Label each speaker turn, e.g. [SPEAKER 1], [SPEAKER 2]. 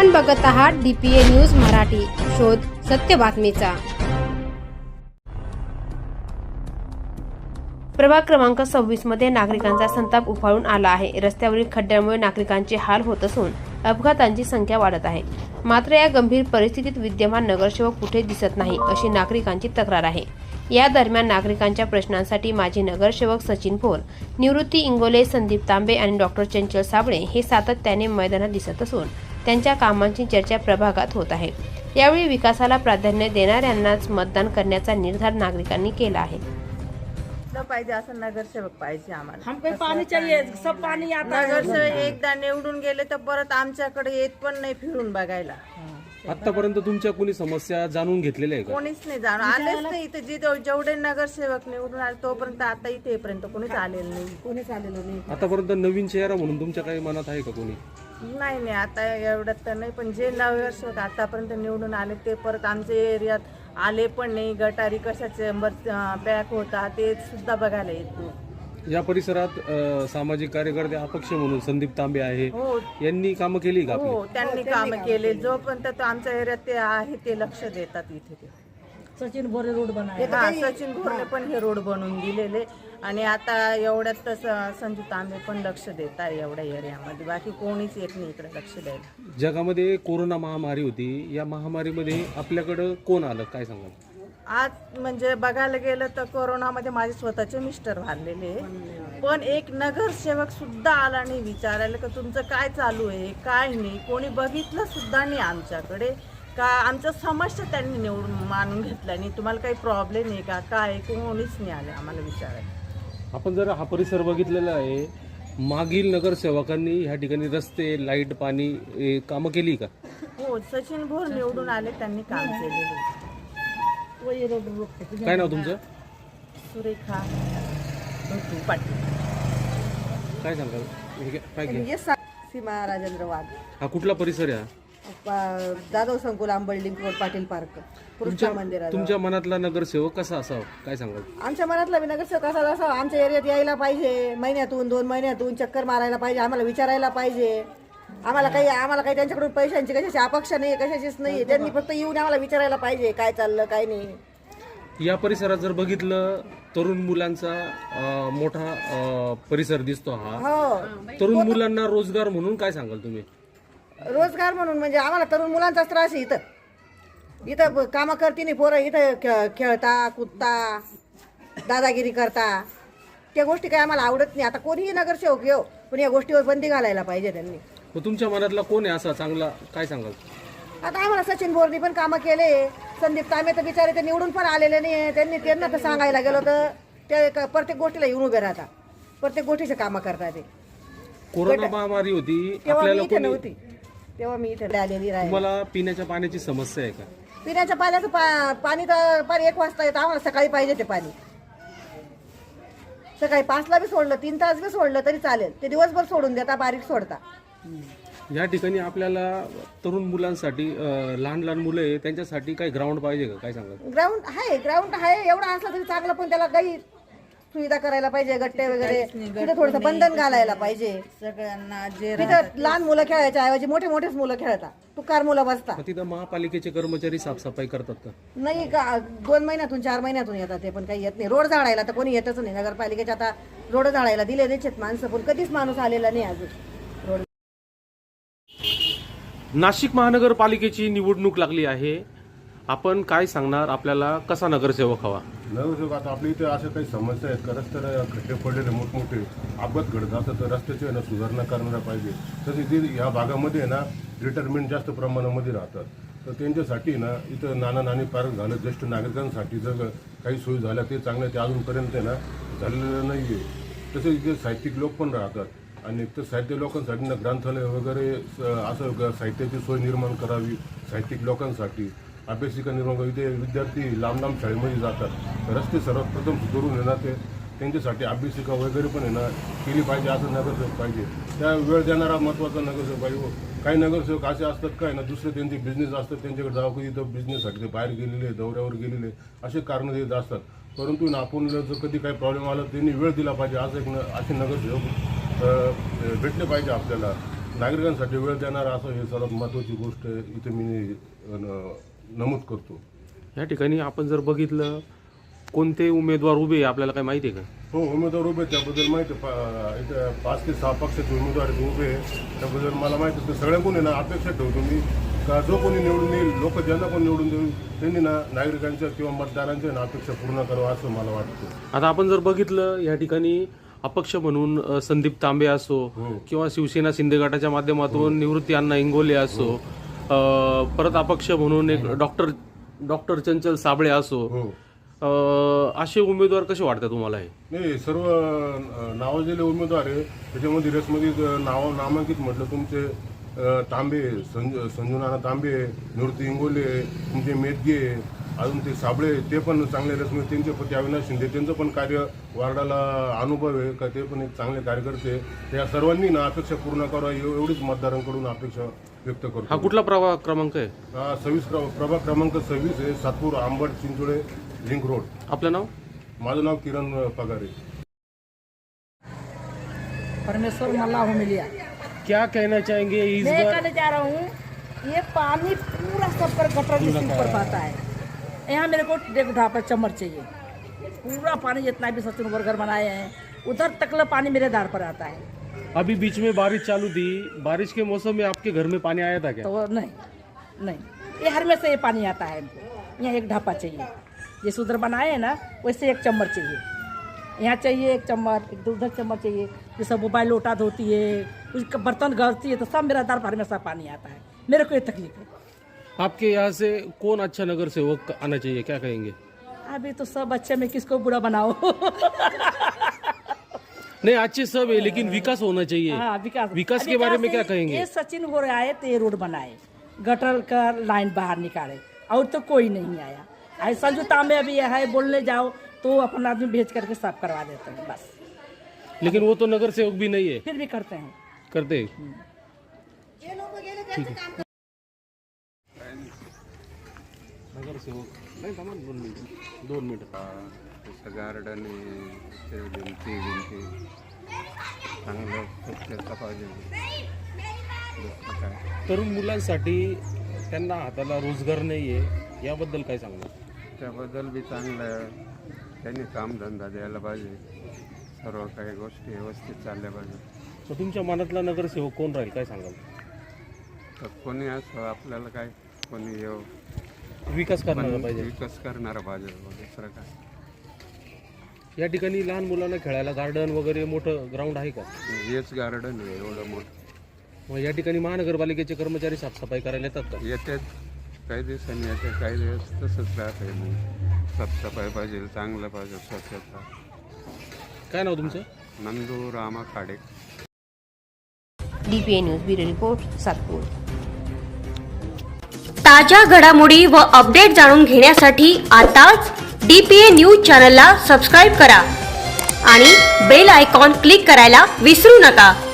[SPEAKER 1] आपण बघत आहात DPA न्यूज मराठी, शोध सत्य बातमीचा। प्रभाग क्रमांक 26 मध्ये नागरिकांचा संताप उफाळून आला आहे। रस्त्यावरील खड्ड्यांमुळे नागरिकांचे हाल होत असून अपघातांची संख्या वाढत आहे। मात्र या गंभीर परिस्थितीत विद्यमान नगरसेवक कुठे दिसत नाही अशी नागरिकांची तक्रार आहे। या दरम्यान नागरिकांच्या प्रश्नांसाठी माजी नगरसेवक सचिन भोर, निवृत्ती इंगोले, संदीप तांबे आणि डॉक्टर चंचल साबळे हे सातत्याने मैदानात दिसत असून त्यांच्या कामांची चर्चा प्रभागात होत आहे। यावेळी विकासाला प्राधान्य देणाऱ्यांनाच मतदान करण्याचा निर्धार नागरिकांनी केला आहे।
[SPEAKER 2] पाहिजे असं नगरसेवक पाहिजे आम्हाला।
[SPEAKER 3] हमको पानी चाहिए, सब पानी आता है।
[SPEAKER 2] नगरसेवक एकदा निवडून गेले तर परत आमच्याकडे येत पण नाही फिरून बघायला।
[SPEAKER 4] आतापर्यंत तुमच्या कोणी समस्या जाणून घेतलेल्या आहे का?
[SPEAKER 2] कोणीच नाही जाणून आलेच नाही इथे। जेवढे नगरसेवक निवडून आले तोपर्यंत आता इथेपर्यंत कोणीच आलेलं नाही। कोणीच आलेलं नाही
[SPEAKER 4] आतापर्यंत नवीन चेहरा म्हणून तुमच्या काही मनात आहे का कोणी?
[SPEAKER 2] नाही आता एवढ्यात तर नाही, पण जे नगरसेवक आतापर्यंत निवडून आले ते परत आमच्या एरियात आले पण नाही। गटारी कशाचे पॅक होता ते सुद्धा बघायला येत नाही।
[SPEAKER 4] या परिसरात सामाजिक कार्यकर्ते अपक्ष म्हणून संदीप तांबे आहे,
[SPEAKER 2] हो
[SPEAKER 4] यांनी कामं केली का?
[SPEAKER 2] हो त्यांनी काम केले। जोपर्यंत आमच्या एरियात ते आहे ते लक्ष देतात इथे ते।
[SPEAKER 3] सचिन बोरे रोड बनाए।
[SPEAKER 2] सचिन भोरने पण हे रोड बनवून दिलेले आणि आता एवढ्यात संजू तांबे पण लक्ष देत आहे एवढ्या एरियामध्ये। बाकी कोणीच येत नाही इकडे लक्ष द्यायला।
[SPEAKER 4] जगामध्ये कोरोना महामारी होती, या महामारीमध्ये आपल्याकडं कोण आलं काय सांगाल?
[SPEAKER 2] आज म्हणजे बघायला गेलं तर कोरोनामध्ये माझे स्वतःचे मिस्टर वारलेले, पण एक नगरसेवक सुद्धा आला नाही विचारायला का तुमचं काय चालू आहे काय नाही। कोणी बघितलं सुद्धा नाही आमच्याकडे का आमच्या समस्या त्यांनी निवडून मानून घेतल्या नाही। तुम्हाला काही प्रॉब्लेम आहे का काय, कोणीच नाही आले आम्हाला विचारायला।
[SPEAKER 4] आपण जर हा परिसर बघितलेला आहे, मागील नगरसेवकांनी ह्या ठिकाणी रस्ते, लाईट, पाणी कामं केली का?
[SPEAKER 2] हो सचिन भोर निवडून आले, त्यांनी काम केलेले।
[SPEAKER 4] काय नाव तुमचं?
[SPEAKER 2] सुरेखा पाटील।
[SPEAKER 4] काय सांगाल? काय केलं?
[SPEAKER 5] सीमा राजेंद्र वाघ।
[SPEAKER 4] हा कुठला परिसर आहे?
[SPEAKER 5] जाधव संकुल, आंबर्डिंग रोड, पाटील पार्क, कृष्णा मंदिरात।
[SPEAKER 4] तुमच्या मनातला नगरसेवक कसा असावा काय सांगाल?
[SPEAKER 5] आमच्या मनातला नगरसेवक कसा असावा, आमच्या एरियात यायला पाहिजे, महिन्यातून 2 महिन्यातून चक्कर मारायला पाहिजे, आम्हाला विचारायला पाहिजे। आम्हाला काही त्यांच्याकडून पैशांची कशाची अपेक्षा नाही, कशाचीच नाही। त्यांनी फक्त येऊन आम्हाला विचारायला पाहिजे काय चाललं काय नाही।
[SPEAKER 4] या परिसरात जर बघितलं, तरुण मुलांचा मोठा परिसर दिसतो हा।
[SPEAKER 5] हो
[SPEAKER 4] तरुण मुलांना रोजगार म्हणून काय सांगाल तुम्ही?
[SPEAKER 5] रोजगार म्हणून म्हणजे आम्हाला तरुण मुलांचाच त्रास आहे। इथं कामं करते नाही पोरं, इथं खेळता कुदता दादागिरी करता, त्या गोष्टी काही आम्हाला आवडत नाही। आता कोणीही नगरसेवक येऊ पण या गोष्टीवर बंदी घालायला पाहिजे त्यांनी।
[SPEAKER 4] मग तुमच्या मनातला कोण आहे असा चांगला काय सांगाल?
[SPEAKER 5] आता आम्हाला सचिन भोरनी पण कामं केले, संदीप तांबे तर बिचारे ते निवडून पण आलेले नाही। त्यांना तर सांगायला गेलो तर ते प्रत्येक गोष्टीला येऊन उभे राहतात, प्रत्येक गोष्टीचे कामं करतात ते।
[SPEAKER 4] कोरोना महामारी होती,
[SPEAKER 5] तेव्हा मी
[SPEAKER 4] आपल्याला
[SPEAKER 5] इथे
[SPEAKER 4] कोणी
[SPEAKER 5] नव्हती, तेव्हा मी इथे आलेली राहिली।
[SPEAKER 4] तुम्हाला पिण्याच्या पाण्याची समस्या आहे का?
[SPEAKER 5] पिण्याच्या पाण्याचं पाणी तर पाणी 1 वाजता येतं, आम्हाला सकाळी पाहिजे ते पाणी। सकाळी 5ला बी सोडलं, 3 तास बी सोडलं तरी चालेल, ते दिवसभर सोडून देता, बारीक सोडता।
[SPEAKER 4] या ठिकाणी आपल्याला तरुण मुलांसाठी लहान लहान मुलं आहे त्यांच्यासाठी काही ग्राउंड पाहिजे का काय सांगाल?
[SPEAKER 5] ग्राउंड आहे एवढा असला तरी चांगलं, पण त्याला काही सुविधा करायला पाहिजे, गट्टे वगैरे तिथं थोडंसं बंधन घालायला पाहिजे
[SPEAKER 2] सगळ्यांना। जे
[SPEAKER 5] तिथं लहान मुलं खेळायच्या ऐवजी मोठेच मुलं खेळतात, तुकार मुलं बसतात।
[SPEAKER 4] मग तिथं महापालिकेचे कर्मचारी साफसफाई करतात का?
[SPEAKER 5] नाही का 2 महिन्यातून 4 महिन्यातून येतात ते, पण काही येत नाही। रोड झाडायला तर कोणी येतच नाही नगरपालिकेच्या। आता रोड झाडायला दिले द्यायचेत माणसं, पण कधीच माणूस आलेला नाही अजून रोड।
[SPEAKER 4] नाशिक महानगरपालिकेची निवडणूक लागली आहे, आपण काय सांगणार? आपल्याला कसा नगरसेवक हवा?
[SPEAKER 6] नगरसेवक आता आपल्या इथे अशा काही समस्या आहेत का, रस्त्याला खड्डे पडलेले मोठमोठे अपघात घडत असतात तर रस्त्याची सुधारणा करणारा पाहिजे। तसे जे ह्या भागामध्ये ना रिटायरमेंट जास्त प्रमाणामध्ये राहतात, तर त्यांच्यासाठी ना इथं नाना पार्क झालं, ज्येष्ठ नागरिकांसाठी जर काही सोयी झाल्या ते चांगल्या, ते अजूनपर्यंत ना झालेलं नाही आहे। तसेच इथे साहित्यिक लोक पण राहतात आणि तर साहित्य लोकांसाठी ना ग्रंथालय वगैरे असं साहित्याची सोय निर्माण करावी साहित्यिक लोकांसाठी, अभ्यासिका निर्माण करावी। इथे विद्यार्थी लांब शाळेमध्ये जातात, रस्ते सर्वप्रथम सुधारून येणार ते त्यांच्यासाठी अभ्यासिका वगैरे पण येणार केली पाहिजे, असं नगरसेवक पाहिजे। त्या वेळ देणारा महत्त्वाचा नगरसेवक पाहिजे। काही नगरसेवक असे असतात काय ना, दुसरे त्यांचे बिझनेस असतात, त्यांच्याकडे जावं कधी तर बिझनेससाठी ते बाहेर गेलेले, दौऱ्यावर गेलेले, असे कारणं देत असतात। परंतु आपण जर कधी काही प्रॉब्लेम आला त्यांनी वेळ दिला पाहिजे, असं असे नगरसेवक भेटले पाहिजे आपल्याला। नागरिकांसाठी वेळ देणार असं हे सर्वात महत्त्वाची गोष्ट इथे मी नमूद करतो.
[SPEAKER 4] या ठिकाणी आपण जर बघितलं कोणते उमेदवार उभे आहे आपल्याला काय माहिती आहे का?
[SPEAKER 6] हो, उमेदवार उभे त्याबद्दल माहिती इथे 5 ते 6 पक्षाचे उमेदवार उभे आहे त्याबद्दल मला माहिती आहे. सगळ्यांकडून आहे ना अपेक्षा ठेवतो मी का जो कोणी निवडून येईल लोक ज्यांना कोण निवडून देईल त्यांनी ना नागरिकांच्या किंवा मतदारांच्या ना अपेक्षा पूर्ण करावं असं मला वाटतं.
[SPEAKER 4] आता आपण जर बघितलं या ठिकाणी अपक्ष म्हणून संदीप तांबे असो किंवा शिवसेना शिंदे गटाच्या माध्यमातून निवृत्ती अण्णा इंगोले असो, परत अपक्ष म्हणून एक डॉक्टर चंचल साबळे असो, असे उमेदवार कसे वाटतात तुम्हाला? हे
[SPEAKER 6] नाही, सर्व नावाजलेले उमेदवार आहे त्याच्यामध्ये रेसमध्ये नामांकित म्हटलं तुमचे तांबे, संजू नाना तांबे, निवृत्ती इंगोले, तुमचे मेदगे, अजून ते साबळे ते पण चांगले रेसमध्ये, त्यांचे पती अविनाश शिंदे त्यांचं पण कार्य वार्डाला अनुभव आहे का ते पण एक चांगले कार्यकर्ते. त्या सर्वांनी ना अपेक्षा पूर्ण करावा एवढीच मतदारांकडून अपेक्षा व्यक्त करतो.
[SPEAKER 4] हा कुठला प्रभाग क्रमांक आहे?
[SPEAKER 6] 26 प्रभाग क्रमांक 26 आहे, सातपूर, आंबट, चिंचोळे, लिंक रोड.
[SPEAKER 4] आपलं नाव?
[SPEAKER 6] माझं नाव किरण पगारे.
[SPEAKER 3] परमेश्वर मल्ला हो मिलिया।
[SPEAKER 4] क्या कहना चाहेंगे इस
[SPEAKER 3] मैं
[SPEAKER 4] बार?
[SPEAKER 3] कहने जा रहा हूँ ये पानी पूरा सब पर गटर के ऊपर पाता है। यहाँ मेरे को डेढ़ ढापा चम्मच चाहिए। पूरा पानी जितना भी सचिन वर्गर बनाए हैं उधर तक पानी मेरे दार पर आता है।
[SPEAKER 4] अभी बीच में बारिश चालू थी, बारिश के मौसम में आपके घर में पानी आया था क्या?
[SPEAKER 3] तो नहीं ये हर में से ये पानी आता है हमको। यहाँ एक ढापा चाहिए, जैसे उधर बनाए हैं ना वैसे एक चम्मच चाहिए। यहाँ चाहिए एक चम्मच, एक उधर चम्मच चाहिए। जैसे मोबाइल लोटा धोती है, कुछ बर्तन गलती है तो सब मेरा दार पर हमेशा पानी आता है। मेरे को ये तकलीफ है।
[SPEAKER 4] आपके यहाँ से कौन अच्छा नगर सेवक आना चाहिए, क्या कहेंगे?
[SPEAKER 3] अभी तो सब अच्छे में किसको बुरा बनाओ।
[SPEAKER 4] नहीं, अच्छे सब है लेकिन विकास होना चाहिए।
[SPEAKER 3] हाँ,
[SPEAKER 4] विकास के बारे में क्या कहेंगे?
[SPEAKER 3] ये सचिन हो रहा है तो ये रोड बनाए, गटर का लाइन बाहर निकाले, और तो कोई नहीं आया। आई संजू तांबे अभी है, बोलने जाओ तो अपना आदमी भेज करके साफ करवा देते हैं बस।
[SPEAKER 4] लेकिन वो तो नगर सेवक भी नहीं है।
[SPEAKER 3] फिर भी करते हैं।
[SPEAKER 4] करते हैं। नगर सेवक नाही, थांबा 2 मिनिट.
[SPEAKER 7] तसं गार्डन आहे, ते भिंती चांगलं स्वच्छता पाहिजे. दुसरं काय
[SPEAKER 4] तरुण मुलांसाठी त्यांना हाताला रोजगार नाही आहे, याबद्दल काय सांगणार?
[SPEAKER 7] त्याबद्दल बी चांगलं आहे. त्यांनी कामधंदा द्यायला पाहिजे. सर्व काही गोष्टी व्यवस्थित चालल्या पाहिजे.
[SPEAKER 4] तर तुमच्या मनातला नगरसेवक कोण राहील, काय सांगाल?
[SPEAKER 7] तर कोणी असं आपल्याला काय, कोणी येऊ
[SPEAKER 4] विकास करणारा पाहिजे.
[SPEAKER 7] विकास करणारा पाहिजे, दुसरं काय.
[SPEAKER 4] या ठिकाणी लहान मुलांना खेळायला गार्डन वगैरे मोठं ग्राउंड आहे का?
[SPEAKER 7] हेच गार्डन आहे एवढं मोठं.
[SPEAKER 4] मग या ठिकाणी महानगरपालिकेचे कर्मचारी साफसफाई करायला येतात का?
[SPEAKER 7] येतात, काही दिवसांनी येते, काही दिवस तसंच राहते. मग साफसफाई पाहिजे, चांगलं पाहिजे, स्वच्छता.
[SPEAKER 4] काय नाव तुमचं?
[SPEAKER 7] Nandu Rama Khade.
[SPEAKER 1] DPA news bureau report, Satpur.
[SPEAKER 8] ताज्या घडामोडी व अपडेट जाणून घेण्यासाठी आताच DPA न्यूज चॅनलला सबस्क्राईब करा आणि बेल आयकॉन क्लिक करायला विसरू नका.